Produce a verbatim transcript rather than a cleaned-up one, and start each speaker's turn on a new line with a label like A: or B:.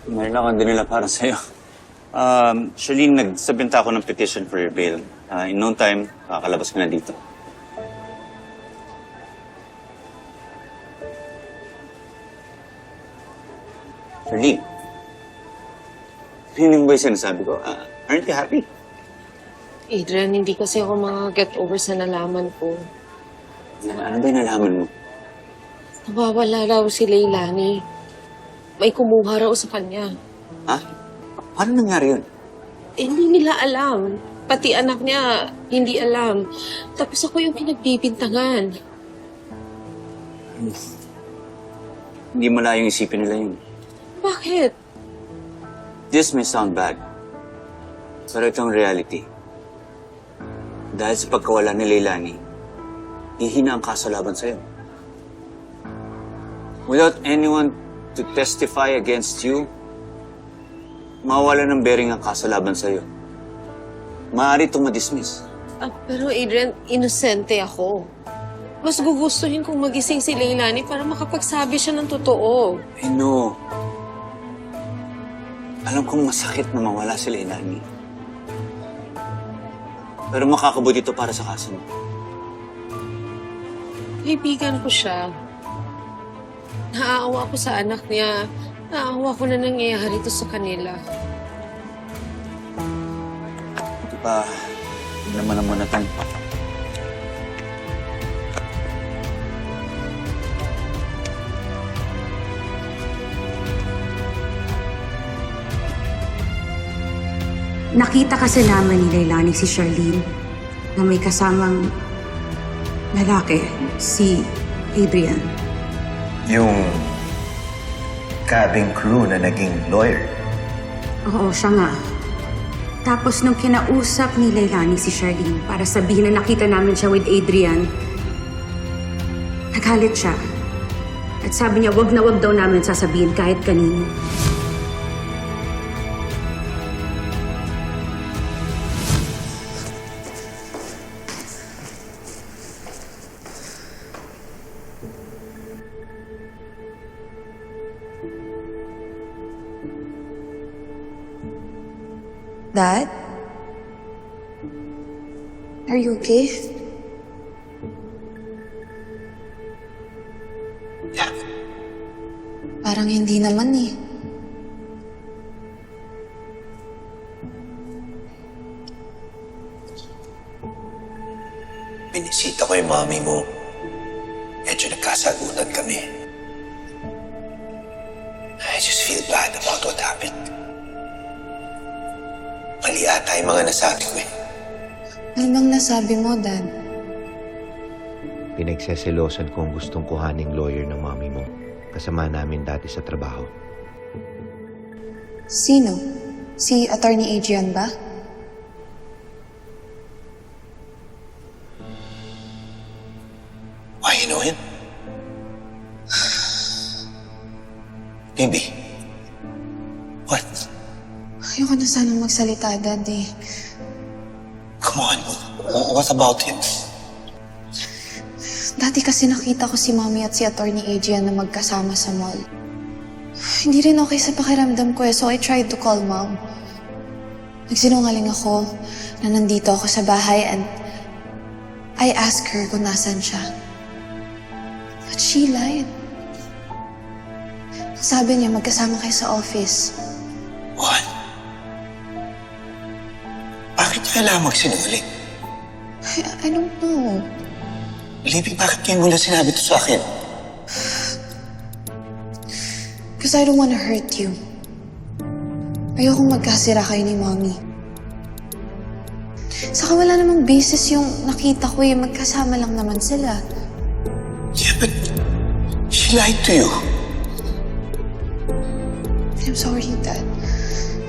A: Meron akong dinala para sa'yo. Um, Charlene, nagsabinta ako ng petition for your bail. Uh, in no time, kakalabas ko na dito. Charlene, yun ba yung sinasabi ko? Uh, aren't you happy?
B: Adrian, hindi kasi ako mga-get over sa nalaman ko.
A: Na, ano ba yung nalaman mo?
B: Nawawala raw si Leilani. May kumuha raw sa kanya.
A: Ha? Paano nangyari yun?
B: Eh, hindi nila alam. Pati anak niya, hindi alam. Tapos ako yung pinagbibintangan.
A: Hindi malayong isipin nila yun.
B: Bakit?
A: This may sound bad. Pero itong reality. Dahil sa pagkawala ni Leilani, hihina ang kaso laban sa'yo. Without anyone to testify against you, mawala ng bearing ang kaso laban sa'yo. Maaari itong madismiss.
B: Ah, pero Adrian, inosente ako. Mas gugustuhin kong magising si Leilani para makapagsabi siya ng totoo.
A: I know. Alam kong masakit na mawala si Leilani. Pero makakabuti ito para sa kaso mo.
B: Kaibigan ko siya. Naaawa ko sa anak niya. Naaawa ko na nangyayari ito sa kanila.
A: Ito pa, hindi naman naman na tayo.
C: Nakita kasi naman ni Leilani si Charlene na may kasamang lalaki, si Adrian.
D: Yung cabin crew na naging lawyer.
C: Oo, siya nga. Tapos nung kinausap ni Leilani si Charlene para sabihin na nakita namin siya with Adrian, nagalit siya. At sabi niya wag na wag daw namin sasabihin kahit kanino.
E: Dad? Are you okay?
D: Yeah.
E: Parang hindi naman eh.
D: Binisita ko yung mami mo. Medyo nagkasagutan kami. I just feel bad about what happened. Mali ata yung mga nasabi ko eh.
E: Ano bang nasabi mo, Dad?
F: Pinagseselosan ko ang gustong kuhaning lawyer ng mami mo. Kasama namin dati sa trabaho.
E: Sino? Si Attorney Adrian ba?
D: Why you know him? Maybe. What?
E: Ayoko na sanang magsalita, Dad eh.
D: Come on. What about him?
E: Dati kasi nakita ko si Mommy at si Attorney Adrian na magkasama sa mall. Hindi rin okay sa pakiramdam ko eh, so I tried to call Mom. Nagsinungaling ako na nandito ako sa bahay and I asked her kung nasan siya. But she lied. Sabi niya magkasama kayo sa office.
D: What? Bakit niya kailangan magsinungaling?
E: I, I don't know.
D: Libby, bakit kayo mula sinabi ito sa akin?
E: Because I don't want to hurt you. Ayokong magkasira kayo ni Mommy. Saka wala namang basis yung nakita ko eh. Magkasama lang naman sila.
D: Yeah, but she lied to you.
E: I'm sorry, Dad.